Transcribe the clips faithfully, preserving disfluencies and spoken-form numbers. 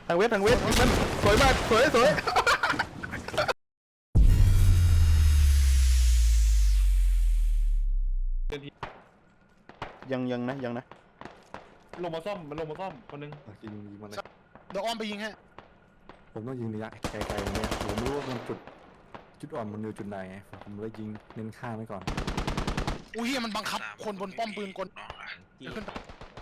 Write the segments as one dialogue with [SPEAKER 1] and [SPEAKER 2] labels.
[SPEAKER 1] ทางเวททางเวทมันสวยมากสวยสวยยังยังนะยังนะ
[SPEAKER 2] ลงมาซ่อมมันลงมาซ่อมคนนึง
[SPEAKER 3] ยิงยิงมันเลย
[SPEAKER 4] เดี๋ยวอ้อมไปยิงให้
[SPEAKER 3] ผมต้องยิงระยะไกลๆเนี่ยผมไม่รู้ว่ามันจุดจุดอ่อนมันอยู่จุดไหนผมเลยยิงเน้นข้ามไว้ก่อน
[SPEAKER 4] อุ้ยเฮียมันบังคับคนบนป้อมปืนกล
[SPEAKER 5] จี
[SPEAKER 4] ขึ้นไป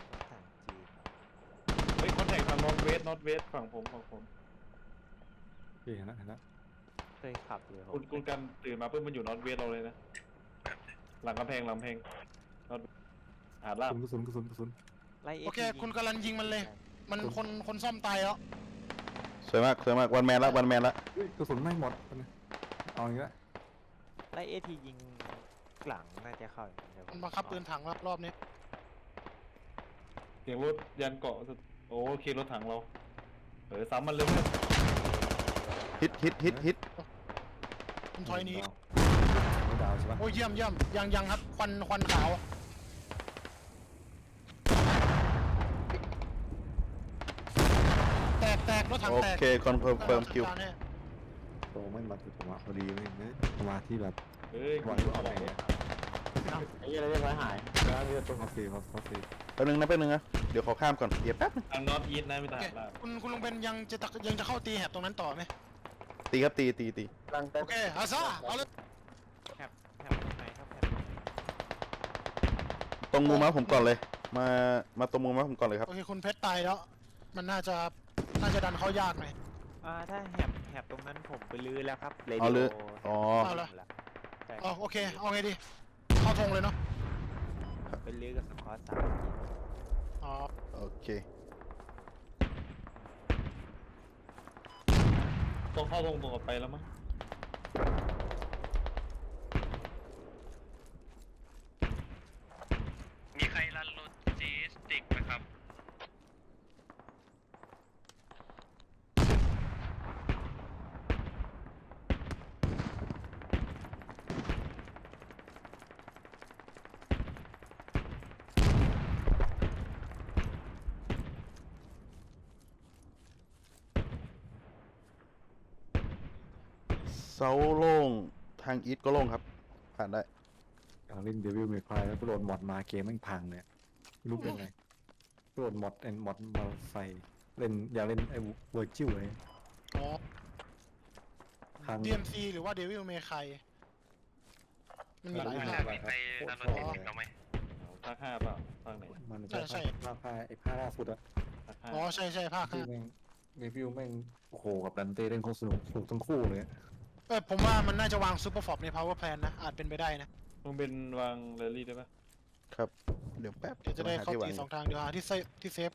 [SPEAKER 2] เฮ้ยคอนแทคทางนอตเวสนอตเวสฝั่งผมฝั่งผม
[SPEAKER 3] โอเคเห็นแล้วเห็นแล้ว
[SPEAKER 5] เคยขับอยู่
[SPEAKER 2] คุณคุณกันตื่นมาเพิ่มมันอยู่นอตเวสเราเลยนะหลังกำแพงหลังกำแพงนอตหาดลาบ
[SPEAKER 3] กระสุนกระสุนกระสุน
[SPEAKER 5] ไล่
[SPEAKER 4] โอเคคุณกำลังยิงมันเลย มันคนคนซ่อมตายแล้ว
[SPEAKER 1] สวยมากสวยมากวันแมนละวันแมนละ
[SPEAKER 3] กระสุนไม่หมดเอาอย่างนี้ละ
[SPEAKER 5] ไล่เอทียิงหลังน่าจะเข้าเดี๋ยวผ
[SPEAKER 4] มันบังคับปืนถังรอบนี้
[SPEAKER 2] เสียงรถยันเกาะโอเครถถังเราเออซ้ำมันเลยเพื่อน
[SPEAKER 1] ฮิตฮิตฮิตฮิต
[SPEAKER 4] มันถอยหนี้
[SPEAKER 3] ไม่ดาวใช่ปะ
[SPEAKER 4] โอ้ยเยี่ยมเยี่ยมยังยังครับควันควันขาวแตกแตกรถถัง
[SPEAKER 1] โอ
[SPEAKER 4] แตก
[SPEAKER 1] เคคอนเฟิร์มเฟิร์มคิว
[SPEAKER 3] โตไม่มาคือผมอะพอดีเลยเนี่ยมาที่แบบ
[SPEAKER 2] เฮ้ย
[SPEAKER 3] วันก็อะไรเนี่ย
[SPEAKER 5] ไอ้ยังเรียกว่าหาย
[SPEAKER 3] แล้วเนี่ยต้องคาเฟ่ครับคาเฟ่
[SPEAKER 1] แป๊บนึงนะแป๊บนึงนะเดี๋ยวขอข้ามก่อนเดี๋ยวแป๊บนึง
[SPEAKER 2] ทางนอตอีทนะไม่
[SPEAKER 4] โอ
[SPEAKER 2] ต่าง
[SPEAKER 4] เค
[SPEAKER 2] ลาบ
[SPEAKER 4] คุณคุณลุงเบนยังจะตะยังจะเข้าตีแหบตรงนั้นต่อไหม
[SPEAKER 1] ตีครับตีตีตี
[SPEAKER 4] โอเคอาซาเอาเลย
[SPEAKER 5] แคบแคบไหนครับแคบ
[SPEAKER 1] ตรงมุมม้าผมก่อนเลย มามาตรงมุมม้าผมก่อนเลยครับ
[SPEAKER 4] โอเคคุณเพชรตายแล้ว มันน่าจะน่าจะดันเข้ายากหน่อย
[SPEAKER 5] อ่าถ้าแหบแหบตรงนั้นผมไปลื้อแล้วครับเร
[SPEAKER 1] อ๋อ
[SPEAKER 5] ดิ
[SPEAKER 1] ลื้อ
[SPEAKER 5] โอ
[SPEAKER 1] อ๋อ
[SPEAKER 4] เอาละ
[SPEAKER 5] ใช่
[SPEAKER 4] อ๋อโอเคเอาไงดีเข้าธงเลยเนาะ
[SPEAKER 5] ไปลื้อกับสกอตสาม
[SPEAKER 4] อ๋อ
[SPEAKER 1] โอเค
[SPEAKER 2] ต้องเข้าตรงตรงออกไปแล้วมั้ง
[SPEAKER 6] มีใครรันโลจิสติกไหมครับ
[SPEAKER 1] เซาโล่งทางอีทก็โล่งครับ ผ่านได้
[SPEAKER 3] การเล่นเดวิลเมคไพร์แล้วก็โดนมอดมาเกมแม่งพังเนี่ยไม่รู้เป็นไงโดนมอดแอนมอดมาใส่เล่นอยากเล่นไอ้เวอร์จิวเลย
[SPEAKER 4] อ๋อ
[SPEAKER 3] พัง
[SPEAKER 4] ดี เอ็ม ซี หรือว่า Devil May Cry มันมีหลาย
[SPEAKER 6] มี
[SPEAKER 4] ภา
[SPEAKER 6] ใคร
[SPEAKER 4] ค
[SPEAKER 6] มีใครรันโลจิสติกเราไหม
[SPEAKER 2] ภาคห้าเปล่าภาคไหน
[SPEAKER 3] มัน
[SPEAKER 4] ใช่ใช่
[SPEAKER 3] ภาคผ้าไอ้ผ้าล่าสุดอะ
[SPEAKER 2] ภาคห้า
[SPEAKER 4] อ๋อใช่ใช่ภาค
[SPEAKER 3] ที่
[SPEAKER 4] ห้า
[SPEAKER 3] แม่งเดวิลแม่งโอ้โหกับดันเต้เล่นโคตรสนุกสนุกทั้งคู่เลย
[SPEAKER 4] เออผมว่ามันน่าจะวางซูเปอร์ฟอร์ใน power plan นะ อาจเป็นไปได้นะ
[SPEAKER 2] มึงเป็นวางเรลลี่ได้ปะ
[SPEAKER 1] ครับ เดี๋ยวแป๊บ
[SPEAKER 4] เดี๋ยวจะได้
[SPEAKER 1] ห
[SPEAKER 4] เข้า
[SPEAKER 1] ที่ว
[SPEAKER 4] ตี
[SPEAKER 1] ง
[SPEAKER 4] สองทาง เดี๋ยวหาที่เซฟที่เซฟ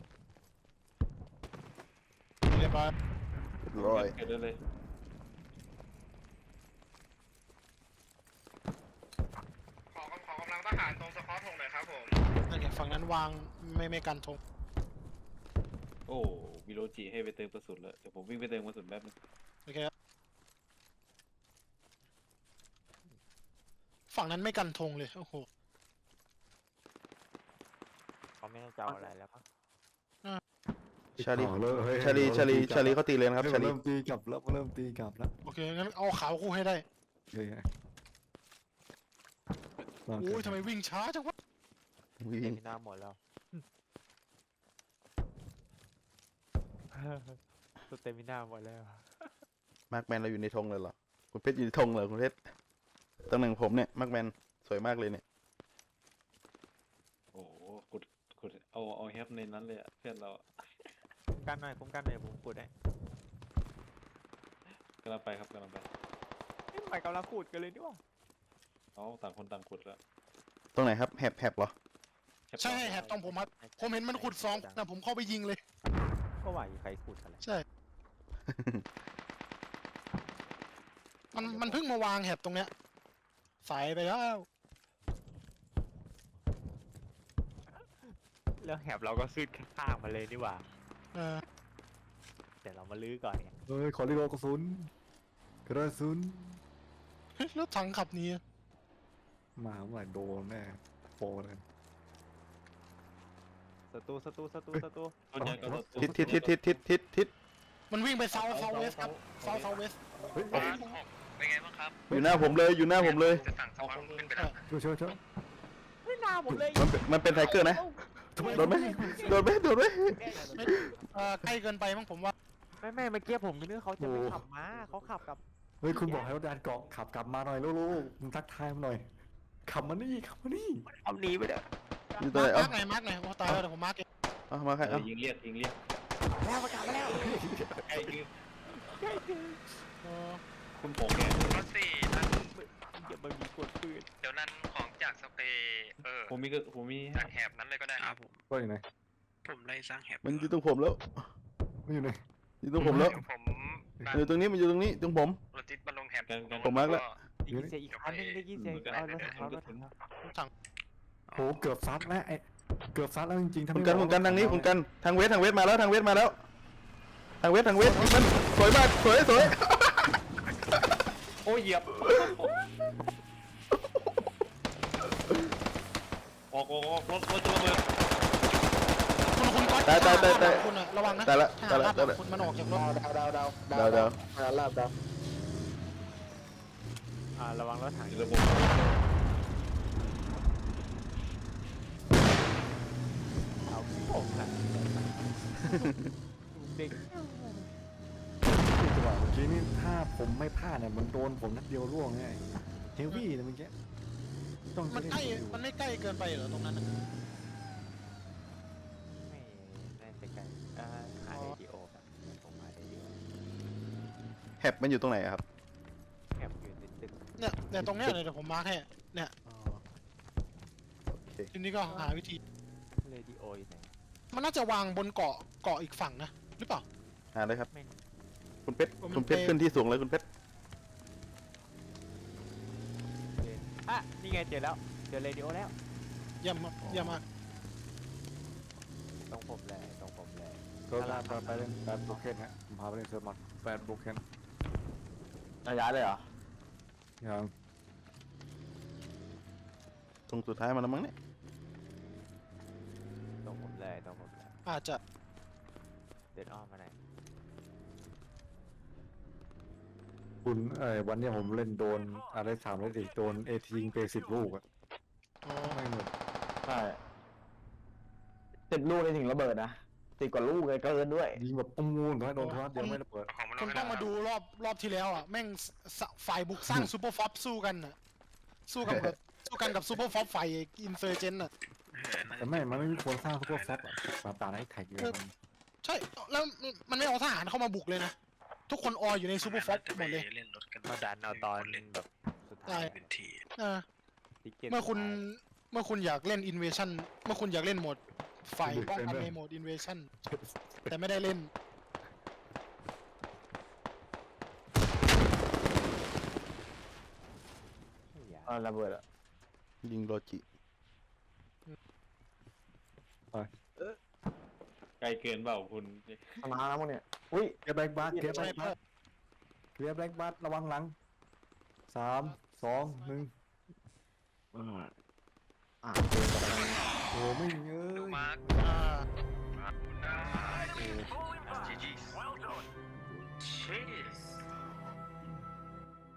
[SPEAKER 4] เรียบร้อย
[SPEAKER 1] เรียบร้อย
[SPEAKER 2] เกิดได้เลย
[SPEAKER 6] ขอขอกำลังทหารตรงสปอร์ตหงหน่อยครับผม
[SPEAKER 4] นั่นไงฝั่งนั้นวางไม่ไม่กันธง
[SPEAKER 2] โอ้วิโรจิให้ไปเติมกระสุนแล้วเดี๋ยวผมวิ่งไปเติมกระสุนแป๊บนึง
[SPEAKER 4] โอเคครับฝั่งนั้นไม่กันธงเลย โอ้โห
[SPEAKER 5] เขาไม่ได้จะเอาอะไรแล้วครับ
[SPEAKER 1] ชาลี
[SPEAKER 3] ต่อเลยเฮ้ย
[SPEAKER 1] ชาลีชาลีชาลีเขาตีเลยนะครับ
[SPEAKER 3] เฮ้ย
[SPEAKER 1] ชาลี
[SPEAKER 3] เริ่มตีกลับแล้วเริ่มตีกลับแล้ว
[SPEAKER 4] โอเค งั้นเอาขาวคู่ให้ได้
[SPEAKER 3] เฮ้ย
[SPEAKER 4] โอ้ยทำไมวิ่งช้าจังวะ
[SPEAKER 1] วิ่
[SPEAKER 5] เต็
[SPEAKER 1] ง
[SPEAKER 5] มหน้าหมดแล้วตัวเต็มหน้าหมดแล้ว
[SPEAKER 1] มาร์กแมนเราอยู่ในธงเลยเหรอคุณเพชรอยู่ในธงเหรอคุณเพชรตำแหน่งผมเนี่ยมาร์กแมนสวยมากเลยเนี่ย
[SPEAKER 2] โอ้โหกดกดเอาเอาแฮปในนั้นเลยอะเพื่อนเราอะ
[SPEAKER 5] คุ้มกันหน่อยคุ้มกันหน่อยผมกดได้
[SPEAKER 2] กำลังไปครับกำลังไป
[SPEAKER 5] เอ้ยทำไมกำลังพูดกันเลยนี่วะ
[SPEAKER 2] เอาต่างคนต่างขุดแล้ว
[SPEAKER 1] ตรงไหนครับแฮบแฮบเหรอ
[SPEAKER 2] แคป
[SPEAKER 4] ใช่แหบตรงผมครับ ผมเห็นมันขุดสองนะผมเข้าไปยิงเลย
[SPEAKER 5] ก็ว่าอยู่ใครพูดอะไร
[SPEAKER 4] ใช่ มันมันเพิ่งมาวางแหบตรงเนี้ยสายไปแล้ว
[SPEAKER 5] แล้วแหบเราก็ขึ้นข้างๆมาเลยนี่หว่า
[SPEAKER 4] เออ
[SPEAKER 5] แต่เรามาลื้อก่อนไง
[SPEAKER 3] เฮ้ยขอรีโหลดกระสุนกระสุน
[SPEAKER 4] เฮ้ยรถถังขับหนี้
[SPEAKER 3] มาเมื่อไหร่โดนแน่โปเลย
[SPEAKER 5] ศัตรูศัตรูศัตรูศัตรู
[SPEAKER 2] ต้นใหญ่ก็ศัตรู
[SPEAKER 1] ทิศทิศทิศทิศทิศทิศทิศ
[SPEAKER 4] มันวิ่งไปเซาเซาเวสครับเซาเซาเวส
[SPEAKER 3] เฮ้ย
[SPEAKER 6] บาสหกเป็นไงบ้างครับ
[SPEAKER 1] อยู่หน้าผมเลยอยู่หน้าผมเลย
[SPEAKER 6] จะสั่งสควอตขึ้นไปแล้ว
[SPEAKER 3] ช่วยช่วยช่วย
[SPEAKER 5] ไม่น่าผมเลย
[SPEAKER 1] มันเป็นมันเป็นไทเกอร์นะโดนไหมโดนไหมโดนไหม
[SPEAKER 4] ไม่เอ่อใกล้เกินไปมั้งผมว่า
[SPEAKER 5] ไม่ไม่เมื่อกี้ผมนึกเขาจะไม่ขับมาเขาขับกับ
[SPEAKER 3] เฮ้ยคุณบอกให้รถดันเกาะขับกลับมาหน่อยลูกๆมึงทักทายมาหน่อยขับมานี่ขับมานี่
[SPEAKER 5] เอาหนีไปเด้อ
[SPEAKER 1] อยู่ตรงไหน
[SPEAKER 4] มา
[SPEAKER 1] เอ้า
[SPEAKER 4] ร์กไหนมาร์กไหนโอ้ตายแล้วเดี๋ยวผมมาร์กเอง
[SPEAKER 1] เอามาใคร
[SPEAKER 2] เอ
[SPEAKER 1] เอา
[SPEAKER 2] อยิงเรียกยิงเรียก
[SPEAKER 5] แล้วประกาศมาแล้ว
[SPEAKER 2] ใกล้ยิง
[SPEAKER 4] เออ
[SPEAKER 2] คุณโผงแก
[SPEAKER 6] รถสี่นั้น
[SPEAKER 5] อย่ามามีกดปืน
[SPEAKER 6] เดี๋ยวนั้นของจากสเปรย์เออ
[SPEAKER 2] ผมมีก็ผมมี
[SPEAKER 6] จากแหบนั้นเลยก็ได้ครับผม
[SPEAKER 3] ก็อยู่ไหน
[SPEAKER 6] ผมไล่สร้างแหบ
[SPEAKER 1] มันอยู่ตรงผมแล้ว
[SPEAKER 3] ไม่อยู่ไหน
[SPEAKER 1] อยู่ตรงผมแล้ว
[SPEAKER 6] ผม
[SPEAKER 1] อยู่ตรงนี้มันอยู่ตรงนี้ตรงผม
[SPEAKER 6] รถติดมาลงแหบ
[SPEAKER 1] ผมมาร์คแล้ว
[SPEAKER 5] ได้ยินเสียงอีกคันนึงได้ยินเสียงเอารถถังรถถัง
[SPEAKER 4] สั่ง
[SPEAKER 3] โหเกือบซัดแล้วไอ้เกือบซัดแล้วจริงๆถ้า
[SPEAKER 1] คุณ
[SPEAKER 3] ไม่
[SPEAKER 1] กันคุณกันทางนี้คุณกันทางเวททางเวทมาแล้วทางเวทมาแล้ว ทางเวททางเวทมันสวยมากสวยสวย
[SPEAKER 2] โอ้ยเหยียบออกออกออกรถรถจะระเบิด
[SPEAKER 4] คุณคุณก๊อต
[SPEAKER 1] ตายตายตายตาย
[SPEAKER 4] คุณอะระวังนะ
[SPEAKER 1] ตายละ
[SPEAKER 4] ถ้า
[SPEAKER 1] ตายละ
[SPEAKER 4] หาก
[SPEAKER 1] ตายละ
[SPEAKER 4] คุณมันออกจากรถ
[SPEAKER 1] ดาวดาวดาว
[SPEAKER 5] อ่าระวังรถถัง
[SPEAKER 2] ระบบ
[SPEAKER 5] เอาผมนะเด็ก
[SPEAKER 3] จังหวะเมื่อกี้นี่ถ้าผมไม่พลาดเนี่ยมันโดนผมนัดเดียวร่วงไงเฮฟวี่เนี่ยเมื่อกี้ต้อง
[SPEAKER 4] มันใกล้มันไม่ใกล้เกินไปเหรอตรงนั้นน่ะ
[SPEAKER 5] ไม่ได้ไปไกลอ่าหาเรดิโอกันผมหาเรดิโอ
[SPEAKER 1] แฮบมันอยู่ตรงไหนอะครับ
[SPEAKER 5] แอบอยู่ในตึก
[SPEAKER 4] เนี่ยเนี่ยตรงเนี้ยเลยเดี๋ยวผมมาร์กให้เนี่ย
[SPEAKER 1] โอเค
[SPEAKER 4] ทีนี้ก็หาวิธี
[SPEAKER 5] เรดิโออยู่ไหน
[SPEAKER 4] มันน่าจะวางบนเกาะเกาะอีกฝั่งนะหรือเปล่า
[SPEAKER 1] หาเลยครับ
[SPEAKER 5] ไม่
[SPEAKER 1] คุณเพชรคุณเพชรขึ้นที่สูงเลยคุณเพชร
[SPEAKER 5] อ่ะนี่ไงเจอแล้วเจอเรดิโอแล้ว
[SPEAKER 4] เยี่ยมมากเยี่ยมมาก
[SPEAKER 5] ตรงผมเลยตรงผมเลย
[SPEAKER 3] ก็ลาไปไปเล่นแบดโบเคนฮะผมพาไปเล่นเซิร์ฟมอดแบดโบเคน
[SPEAKER 5] ระยะเลยเหรอ
[SPEAKER 3] อย่าง
[SPEAKER 1] ตรงสุดท้ายมาแล้วมั้งเนี่ย
[SPEAKER 5] ตรงผมเลยตรงผมเลย
[SPEAKER 4] อาจจะ
[SPEAKER 5] เดินอ้อมมาไหนอย
[SPEAKER 3] คุณเอ้ยวันเนี้ยผมเล่นโดนอะไรสามเลยดิโดนเอทียิงไปสิบลูกอะ
[SPEAKER 4] อ๋อ
[SPEAKER 3] ไม่หมด
[SPEAKER 7] ใช่สิบลูกในถึงระเบิดนะสิบกว่าลูกเลยเกินด้วย
[SPEAKER 3] ยิงแบบปุ้งงูนให้โดนโทรศัพท์เดียวไม่ระเบิด
[SPEAKER 6] เอาของมาล
[SPEAKER 4] คุ
[SPEAKER 6] ง
[SPEAKER 4] ณ
[SPEAKER 6] ให้
[SPEAKER 4] ต้องมาดูรอบรอบที่แล้วอ่ะแม่งสฝ่ายบุกสร้างซูเปอร์ฟอปสู้กันอ่ะสู้กับแบบสู้กันกับซูเปอร์ฟอปฝ่ายอินเซอร์เจนอ่ะ
[SPEAKER 3] แต่ไม่ มันไม่มีคนสร้างซุปเปอร์ฟอปอะมาตาให้แท็กเลย
[SPEAKER 4] ใช่แล้วมันไม่เอาทหารเข้ามาบุกเลยนะทุกคนอออยู่ในซูเปอร์ฟอปหมดเลย
[SPEAKER 6] เล่นรถกัน
[SPEAKER 5] มาดันเอาตอนแบบสุดท้าย
[SPEAKER 6] เป็นที
[SPEAKER 4] เออ
[SPEAKER 5] ติ๊กเก็ต
[SPEAKER 4] เมื่อคุณเมื่อคุณอยากเล่นอินเวชั่นเมื่อคุณอยากเล่นโหมดฝ่ายป้องกันในโหมดอินเวชั่นแต่ไม่ได้เล่น
[SPEAKER 7] เออระเบิดอะ
[SPEAKER 1] ยิงโรจิ
[SPEAKER 2] ไกลเกินเปล่าคุณ
[SPEAKER 7] ชนะแล้วมั้งเนี่ยอุ้ย
[SPEAKER 3] เกียร์แบล็กบัสเกียร์แบ
[SPEAKER 4] ใช่
[SPEAKER 3] ล็ก
[SPEAKER 4] เพื่
[SPEAKER 3] บั
[SPEAKER 4] อ
[SPEAKER 3] สเกียร์แบล็กบัสระวังหลังสามสองหนึ่ง
[SPEAKER 7] อืมอ่ะเกินไปแล้ว
[SPEAKER 3] โอ้ไม่เอ้ย
[SPEAKER 6] มาร์ค
[SPEAKER 4] อ่า
[SPEAKER 6] จีจีชีส